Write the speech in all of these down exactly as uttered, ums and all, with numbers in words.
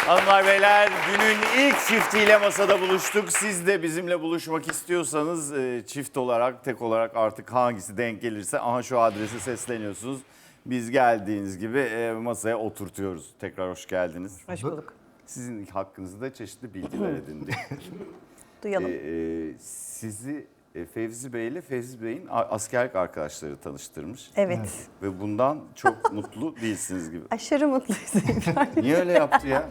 Hanımlar beyler, günün ilk çiftiyle masada buluştuk. Siz de bizimle buluşmak istiyorsanız e, çift olarak, tek olarak artık hangisi denk gelirse aha şu adrese sesleniyorsunuz. Biz geldiğiniz gibi e, masaya oturtuyoruz. Tekrar hoş geldiniz. Hoş bulduk. Sizin hakkınızda çeşitli bilgiler edindik. Duyalım. e, e, sizi e, Fevzi Bey ile Fevzi Bey'in a- askerlik arkadaşları tanıştırmış. Evet. Ve bundan çok mutlu değilsiniz gibi. Aşırı mutluyuz İbrahim. Niye öyle yaptı ya?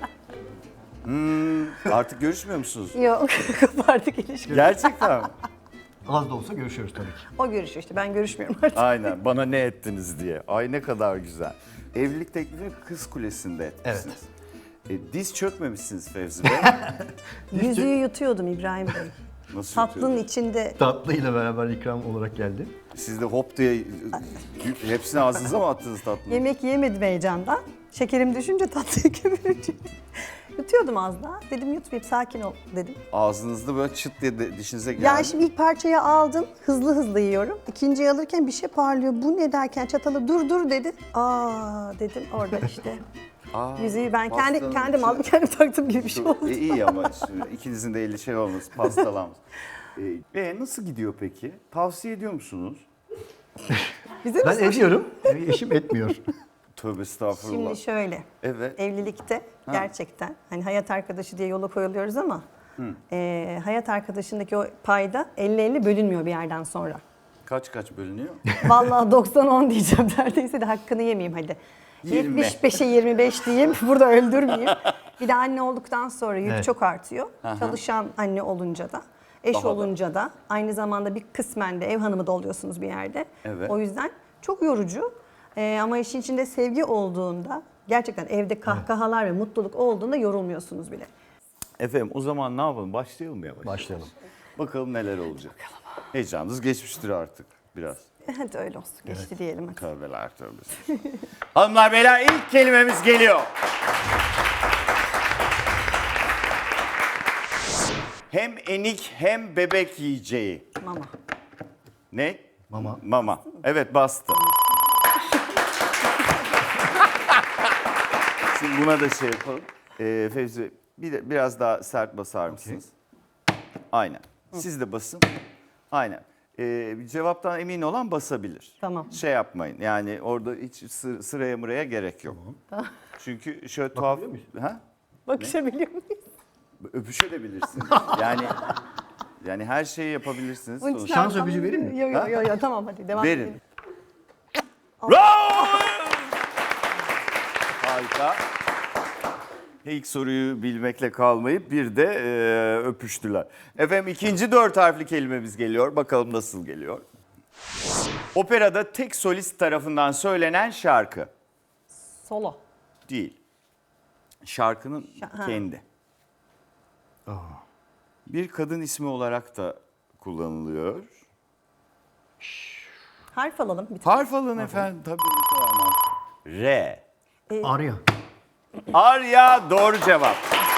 Hmm, artık görüşmüyor musunuz? Yok, kapardık ilişki. Gerçekten mi? Az da olsa görüşüyoruz tabii ki. O görüşüyor işte, ben görüşmüyorum artık. Aynen. Bana ne ettiniz diye. Ay ne kadar güzel. Evlilik teklifini Kız Kulesi'nde etmişsiniz. E, diz çökmemişsiniz Fevzi Bey. Yüzüğü yutuyordum İbrahim Bey. Nasıl Tatlının yutuyordunuz? içinde. Tatlıyla beraber ikram olarak geldi. Siz de hop diye hepsini ağzınıza mı attınız tatlını? Yemek yemedim heyecandan. Şekerim düşünce tatlıyı kömürünce. Yutuyordum az daha. Dedim yutmayayım, sakin ol dedim. Ağzınızda böyle çıt diye de dişinize geldi. Ya şimdi ilk parçayı aldım, hızlı hızlı yiyorum. İkinciyi alırken bir şey parlıyor. Bu ne derken çatalı dur dur dedi. Aa dedim orada işte. Aa, Yüzüğü ben kendi pastanın kendim içi- aldım, kendim taktım gibi bir şey oldu. E, iyi ama şimdi ikinizin de eli şey olması, pastalanmış. E, e, nasıl gidiyor peki? Tavsiye ediyor musunuz? Bize Ben mi? ediyorum, eşim etmiyor. Tövbe estağfurullah. Şimdi şöyle. Evet. Evlilikte gerçekten hani hayat arkadaşı diye yola koyuluyoruz ama e, hayat arkadaşındaki o payda elli elli bölünmüyor bir yerden sonra. Kaç kaç bölünüyor? Vallahi doksan on diyeceğim neredeyse de hakkını yemeyeyim hadi. Yirmi. yetmiş beşe yirmi beş diyeyim, burada öldürmeyeyim. Bir de anne olduktan sonra yük Evet. çok artıyor. Çalışan anne olunca da, eş Daha da. olunca da aynı zamanda bir kısmen de ev hanımı da oluyorsunuz bir yerde. Evet. O yüzden çok yorucu. Ee, ama işin içinde sevgi olduğunda, gerçekten evde kahkahalar ve mutluluk olduğunda yorulmuyorsunuz bile. Efendim o zaman ne yapalım? Başlayalım mı yavaş? Başlayalım. Bakalım neler olacak. Heyecanınız geçmiştir artık biraz. E, Hadi öyle olsun, geçti diyelim hadi. Tövbeler tövbesi. Hanımlar beyler ilk kelimemiz geliyor. Hem enik hem bebek yiyeceği. Mama. Ne? Mama. Mama. Evet bastı. Şimdi buna da şey yapalım. Ee, Fevzi bir de biraz daha sert basar mısınız? Aynen. Siz de basın. Aynen. Ee, cevaptan emin olan basabilir. Tamam. Şey yapmayın. Yani orada hiç sı- sıraya mıraya gerek yok. Çünkü şöyle tuhaf... Ha? Bakışabiliyor muyuz? Öpüşebilirsiniz. Yani yani her şeyi yapabilirsiniz. Sonuçta. Şans öpücü vereyim mi? Yok yok yok yo, tamam hadi devam Verin. edelim. Bravo! Harika. İlk soruyu bilmekle kalmayıp bir de e, öpüştüler. Efendim ikinci dört harfli kelimemiz geliyor. Bakalım nasıl geliyor. Operada tek solist tarafından söylenen şarkı. Solo. Değil. Şarkının Şa- ha. kendi. Bir kadın ismi olarak da kullanılıyor. Harf alalım bir tane. Harf alın efendim. Tabii ne kadar mantıklı. R. Arya. Arya doğru cevap.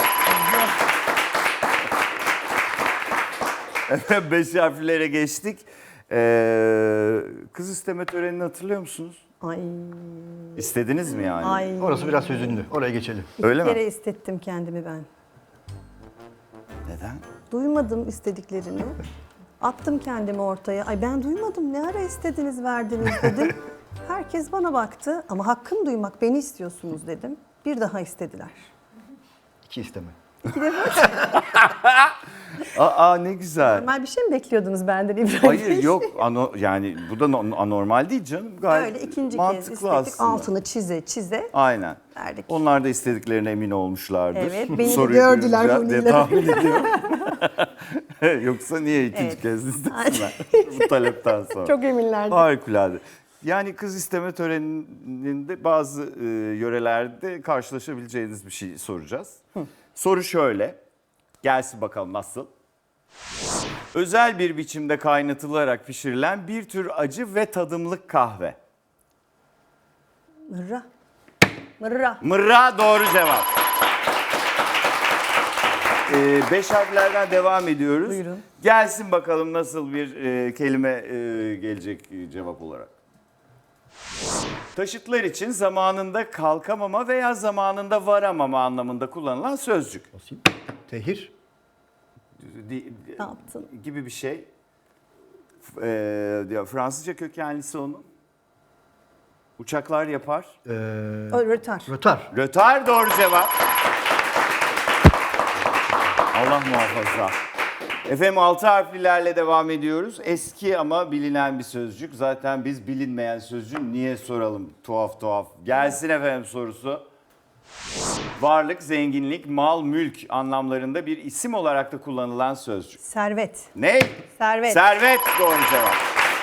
Efendim beş harflere geçtik. Ee, kız isteme törenini hatırlıyor musunuz? Ay. İstediniz mi yani? Ay. Orası biraz hüzünlü. Oraya geçelim. Öyle Bir kere mi? istettim kendimi ben. Neden? Duymadım istediklerini. Attım kendimi ortaya. Ay ben duymadım. Ne ara istediniz, verdiniz dedim. Herkes bana baktı ama hakkım duymak, beni istiyorsunuz dedim. Bir daha istediler. İki isteme. Aa ne güzel. Normal bir şey mi bekliyordunuz benden İbrahim Hayır Bey? yok ano, yani bu da no- anormal değil canım. Gayet Öyle ikinci kez mantıklı istedik. aslında. Altını çize çize Aynen. verdik. Onlar da istediklerine emin olmuşlardır. Evet, beni de Soruyu gördüler duyunca diye Huni'yle. tahmin ediyorum. Yoksa niye ikinci Evet. kez istesinler bu talepten sonra? Çok eminlerdi. Harikulade. Yani kız isteme töreninde bazı e, yörelerde karşılaşabileceğiniz bir şey soracağız. Soru şöyle. Gelsin bakalım nasıl? Özel bir biçimde kaynatılarak pişirilen bir tür acı ve tadımlık kahve. Mırra. Mırra. Mırra doğru cevap. Ee, beş harflerden devam ediyoruz. Buyurun. Gelsin bakalım nasıl bir e, kelime e, gelecek e, cevap olarak. Taşıtlar için zamanında kalkamama veya zamanında varamama anlamında kullanılan sözcük. Basayım. Tehir. Di- Ne yaptın? gibi bir şey. F- e, Fransızca kökenlisi onun. Uçaklar yapar. Ee, O rötar. rötar. Rötar doğru cevap. Allah muhafaza. Efendim altı harflilerle devam ediyoruz. Eski ama bilinen bir sözcük. Zaten biz bilinmeyen sözcüğü niye soralım tuhaf tuhaf. Gelsin efendim sorusu. Varlık, zenginlik, mal, mülk anlamlarında bir isim olarak da kullanılan sözcük. Servet. Ne? Servet. Servet doğru cevap.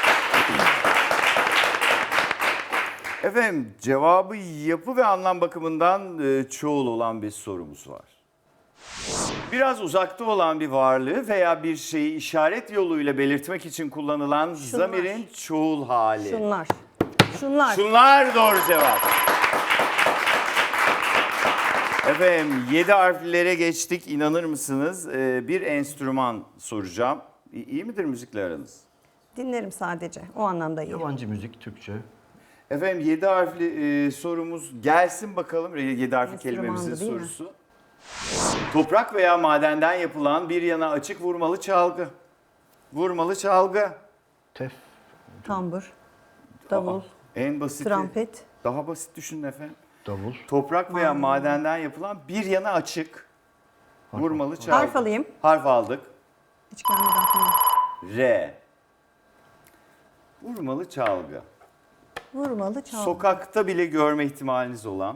Efendim cevabı yapı ve anlam bakımından e, çoğul olan bir sorumuz var. Biraz uzakta olan bir varlığı veya bir şeyi işaret yoluyla belirtmek için kullanılan zamirin çoğul hali. Şunlar. Şunlar. Şunlar doğru cevap. Efendim yedi harflere geçtik, inanır mısınız? Ee, bir enstrüman soracağım. İ- İyi midir müzikle aranız? Dinlerim sadece. O anlamda iyi. Yabancı müzik, Türkçe. Efendim yedi harfli e, sorumuz gelsin bakalım. yedi harfli Enstrümandı, kelimemizin değil mi? sorusu. Toprak veya madenden yapılan bir yana açık vurmalı çalgı. Vurmalı çalgı. Tef. Tambur. Davul. Aa, en basiti. Trompet. Daha basit düşünün efendim. Davul. Toprak veya madenden yapılan bir yana açık vurmalı çalgı. Harf alayım. Harf aldık. Hiç gelmedi aklıma. R. Vurmalı çalgı. Vurmalı çalgı. Sokakta bile görme ihtimaliniz olan,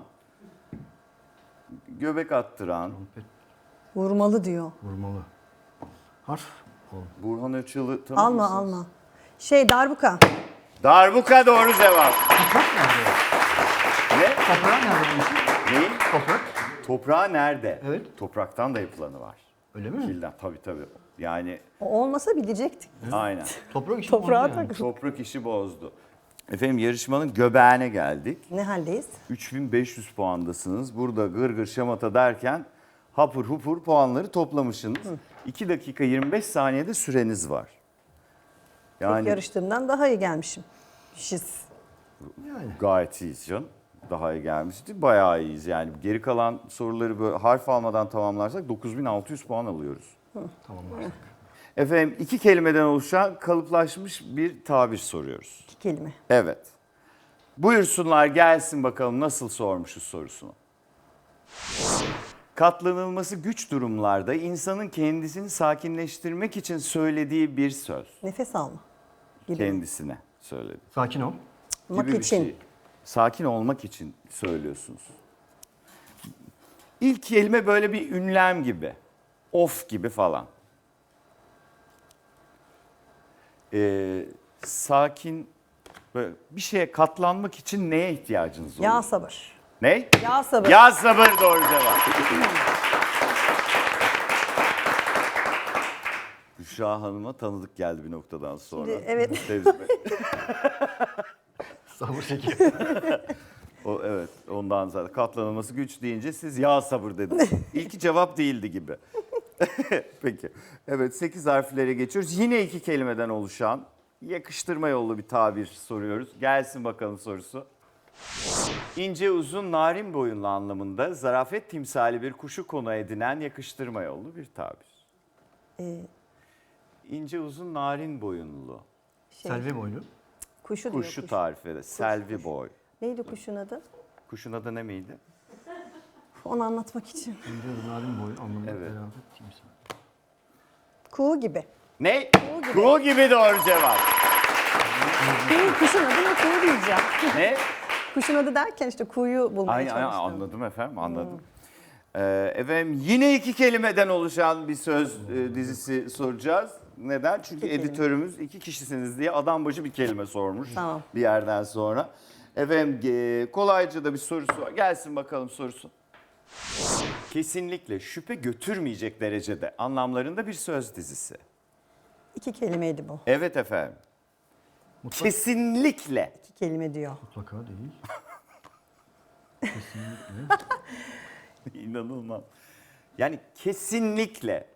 göbek attıran, Vurmalı diyor. Vurmalı. Harf. Ol. Burhan Öçal'ı tanır Alma mısınız? alma. Şey darbuka. Darbuka doğru cevap. Toprak nerede? Ne? Toprağı nerede bu işin? Neyin? Toprak. Toprağı nerede? Evet. Topraktan da yapılanı var. Öyle mi? Kilden tabii tabii. Yani O olmasa bilecektik. aynen. Toprak işi Toprağa bozdu yani. takıl. Toprak işi bozdu. Efendim yarışmanın göbeğine geldik. Ne haldeyiz? üç bin beş yüz puandasınız. Burada gır gır şamata derken hapur hupur puanları toplamışsınız. iki dakika yirmi beş saniyede süreniz var. Yani Yarıştığımdan daha iyi gelmişim. Şiz. Yani. gayet iyiyiz canım. Daha iyi gelmişti. Bayağı iyiyiz yani. Geri kalan soruları böyle harf almadan tamamlarsak dokuz bin altı yüz puan alıyoruz. Tamam. Efendim iki kelimeden oluşan kalıplaşmış bir tabir soruyoruz. İki kelime. Evet. Buyursunlar gelsin bakalım nasıl sormuşuz sorusunu. Katlanılması güç durumlarda insanın kendisini sakinleştirmek için söylediği bir söz. Nefes alma. Gibi. Kendisine söyledi. Sakin ol. Mak Gibi bir için. şey. Sakin olmak için söylüyorsunuz. İlk kelime böyle bir ünlem gibi. Of gibi falan. Ee, sakin böyle bir şeye katlanmak için neye ihtiyacınız olur? Ya sabır. Ne? Ya sabır. Ya sabır doğru cevap. Büşra Hanım'a tanıdık geldi bir noktadan sonra. Şimdi, evet. Tecrübe. Sabır çekiyor. O, evet ondan zaten katlanılması güç deyince siz ya sabır dediniz. İlki cevap değildi gibi. Peki. Evet sekiz harflere geçiyoruz. Yine iki kelimeden oluşan yakıştırma yollu bir tabir soruyoruz. Gelsin bakalım sorusu. İnce uzun narin boyunlu anlamında zarafet timsali bir kuşu konu edinen yakıştırma yollu bir tabir. Ee, İnce uzun narin boyunlu. şey, Selvi boylu. Kuşu diyor. Kuşu kuş. tarif eder. Selvi boy. Neydi kuşun adı? Kuşun adı ne miydi? Onu anlatmak için. İnce narin boylu anlamında Evet. beraber kimse. Kuğu gibi. Ne? Kuğu gibi. Kuğu gibi doğru cevap. Kuğu, kuşun adına kuğu diyeceğim. Ne? Kuşun adı derken işte kuğuyu bulmaya Aynen, aynen, çalıştım. anladım efendim anladım. Ee, efendim yine iki kelimeden oluşan bir söz e, dizisi soracağız. Neden? Çünkü İki kelime. editörümüz iki kişisiniz diye adam başı bir kelime sormuş Tamam. bir yerden sonra. Efendim e, kolayca da bir sorusu var. Gelsin bakalım sorusu. Kesinlikle şüphe götürmeyecek derecede anlamlarında bir söz dizisi. İki kelimeydi bu. Evet efendim. Mutlak, Kesinlikle. İki kelime diyor. mutlaka değil. İnanılmaz. Yani kesinlikle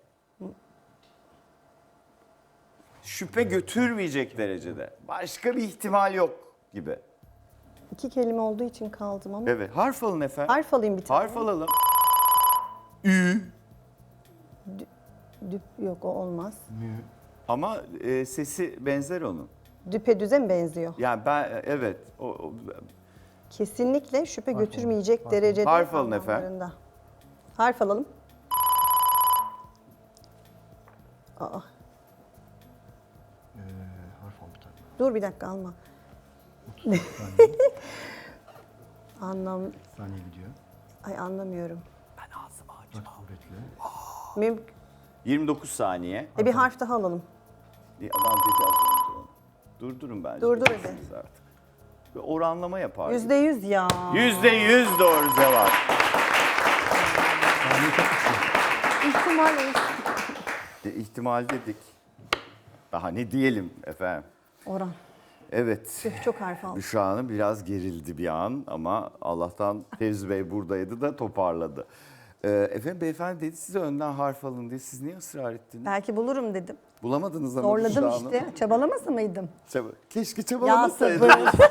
şüphe götürmeyecek derecede. Başka bir ihtimal yok gibi. İki kelime olduğu için kaldım ama. Evet. Harf alın efendim. Harf alayım bir tane. Harf alalım. Ü. Düp, yok o olmaz. Mü. Ama e, sesi benzer onun. Düpedüze mi benziyor? Yani ben evet. O, o- Kesinlikle şüphe Harf götürmeyecek alın. derecede Harf alın efendim. anlamlarında. Harf alalım. Aa, Ee, harf al bir tane. dur bir dakika alma. Saniye. Anlam, Saniye gidiyor. ay anlamıyorum. Bak kuvvetli. Müm yirmi dokuz saniye. e bir harf daha alalım. Bir adam dedi az önce onu. Durdurun bence. Durdur hadi. Siz artık. Bir oranlama yapar. Yüzde yüz ya. Yüzde yüz doğru cevap. Saniye çok kısa. İhtimal E, ihtimal dedik. Daha ne diyelim efendim. Oran. Evet. Tüh, çok harf aldım. Büşra Hanım biraz gerildi bir an ama Allah'tan Fevzi Bey buradaydı da toparladı. Ee, efendim beyefendi dedi size önden harf alın diye. Siz niye ısrar ettiniz? Belki bulurum dedim. Bulamadınız ama Zorladım Büşra Hanım. işte. Çabalamasa mıydım? Çaba- Keşke Ya çabalamasaydınız. sabır.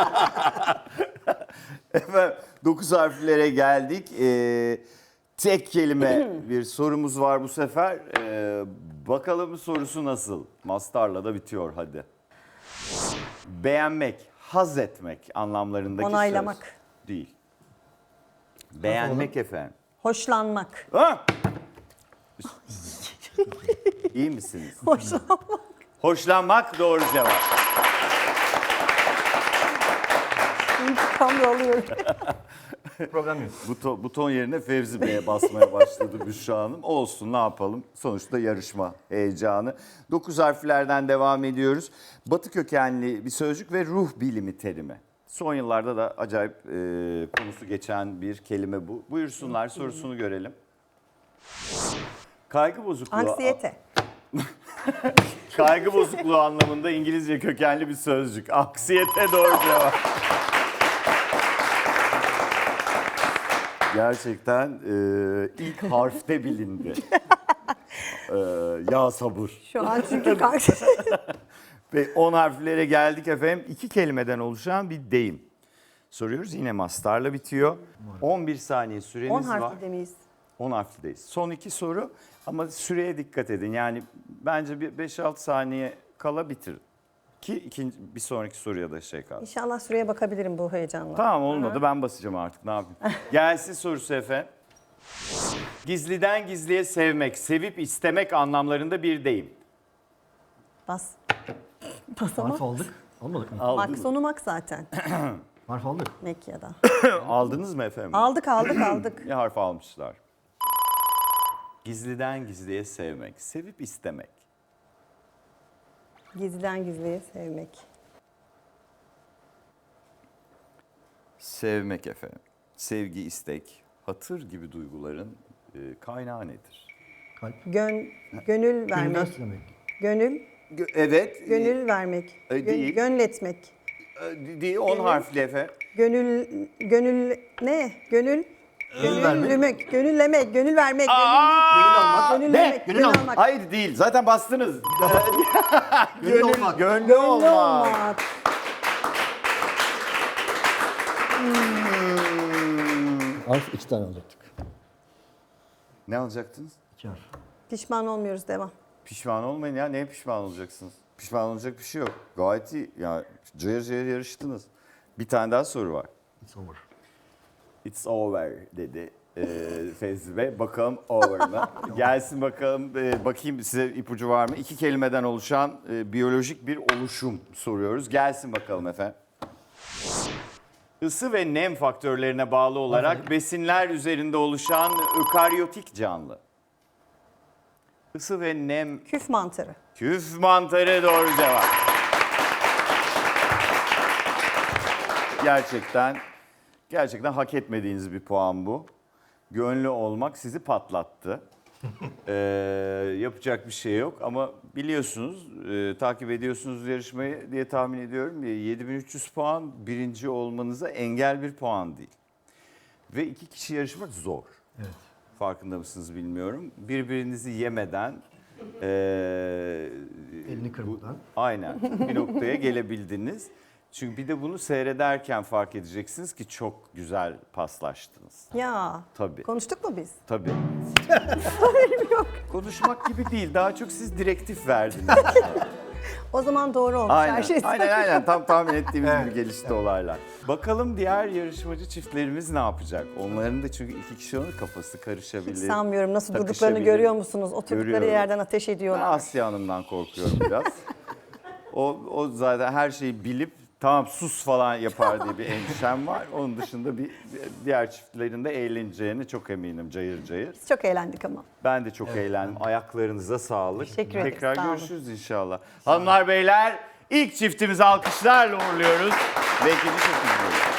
Efendim dokuz harflere geldik. Ee, tek kelime bir sorumuz var bu sefer. Ee, bakalım sorusu nasıl? Mastarla da bitiyor hadi. Beğenmek, haz etmek anlamlarındaki Onaylamak. söz. Değil. Beğenmek efendim. Hoşlanmak. Ha? İyi misiniz? Hoşlanmak. Hoşlanmak doğru cevap. İntikam alıyorum. Problem yok. Buton, buton yerine Fevzi Bey'e basmaya başladı Büşra Hanım. Olsun ne yapalım. Sonuçta yarışma heyecanı. Dokuz harflerden devam ediyoruz. Batı kökenli bir sözcük ve ruh bilimi terimi. Son yıllarda da acayip e, konusu geçen bir kelime bu. Buyursunlar sorusunu görelim. Kaygı bozukluğu. Anksiyete. Kaygı bozukluğu anlamında İngilizce kökenli bir sözcük. Anksiyete doğru cevap. Gerçekten e, ilk harfte bilindi. E, ya sabır. Şu an çünkü karşı. Ve on harflere geldik efendim. İki kelimeden oluşan bir deyim. Soruyoruz yine mastarla bitiyor. on bir saniye süreniz on var. harfli demeyiz. on harflideyiz. Son iki soru ama süreye dikkat edin. Yani bence bir beş altı saniye kala bitirin. Ki ikinci, bir sonraki soruya da şey kalsın. İnşallah süreye bakabilirim bu heyecanla. Tamam olmadı ben basacağım artık ne yapayım. Gelsin sorusu efendim. Gizliden gizliye sevmek, sevip istemek anlamlarında bir deyim. Bas. Bas ama. Harf aldık. Almadık mı? Aldınız, Mak sonu mak zaten. Harf aldık. Mekya'da. aldınız mı efendim? Aldık aldık aldık. Ne harf almışlar? Gizliden gizliye sevmek, sevip istemek. Gizliden gizliye sevmek. Sevmek efendim. Sevgi, istek, hatır gibi duyguların e, kaynağı nedir? Kalp. Gön, gönül Gönülden vermek. istemek. Gönül, Gö- evet. gönül vermek. e, Gö- değil. Gönletmek. E, değil, on harfli efendim. Gönül, gönül ne? Gönül, Gönül vermek. gönüllemek, gönüllemek, gönül vermek, Aa! gönül almak, gönüllemek, Gönül gönül almak. almak. Hayır değil. Zaten bastınız. Gönül olmak. Gönlü Gönlü olmak. olmak. Harf iki tane alacaktık. Ne alacaktınız? İki harf. Pişman olmuyoruz, devam. Pişman olmayın ya. Neye pişman olacaksınız? Pişman olacak bir şey yok. Gayet iyi. Ya cayır cayır yarıştınız. Bir tane daha soru var. It's over. It's over dedi e, Fevzi Bey. Bakalım over mı? Gelsin bakalım. E, bakayım size ipucu var mı? İki kelimeden oluşan e, biyolojik bir oluşum soruyoruz. Gelsin bakalım efendim. Isı ve nem faktörlerine bağlı olarak besinler üzerinde oluşan ökaryotik canlı. Isı ve nem Küf mantarı. küf mantarı doğru cevap. Gerçekten gerçekten hak etmediğiniz bir puan bu. Gönlü olmak sizi patlattı. Ee, yapacak bir şey yok ama biliyorsunuz, e, takip ediyorsunuz yarışmayı diye tahmin ediyorum. yedi bin üç yüz puan birinci olmanıza engel bir puan değil. Ve iki kişi yarışmak zor. Evet. Farkında mısınız bilmiyorum. Birbirinizi yemeden e, Elini kırmadan. aynen bir noktaya gelebildiniz. Çünkü bir de bunu seyrederken fark edeceksiniz ki çok güzel paslaştınız. Ya. Tabii. Konuştuk mu biz? Tabii. Haberim yok. Konuşmak gibi değil. Daha çok siz direktif verdiniz. O zaman doğru olmuş Aynen, her şey. aynen, aynen. Tam tahmin ettiğimiz gibi gelişti olaylar. Bakalım diğer yarışmacı çiftlerimiz ne yapacak? Onların da çünkü iki kişi onun kafası karışabilir. Hiç sanmıyorum. Nasıl durduklarını takışabilir. görüyor musunuz? Oturdukları Görüyorum. yerden ateş Ben ediyorlar. Asya Hanım'dan korkuyorum biraz. o, o zaten her şeyi bilip tamam sus falan yapar diye bir endişem var. Onun dışında bir diğer çiftlerin de eğleneceğine çok eminim cayır cayır. Biz çok eğlendik ama. Ben de çok eğlendim. Ayaklarınıza sağlık. Teşekkür ederiz, Tekrar sağ olun. görüşürüz inşallah. Hanımlar beyler ilk çiftimizi alkışlarla uğurluyoruz. Belki de çok üzülüyoruz.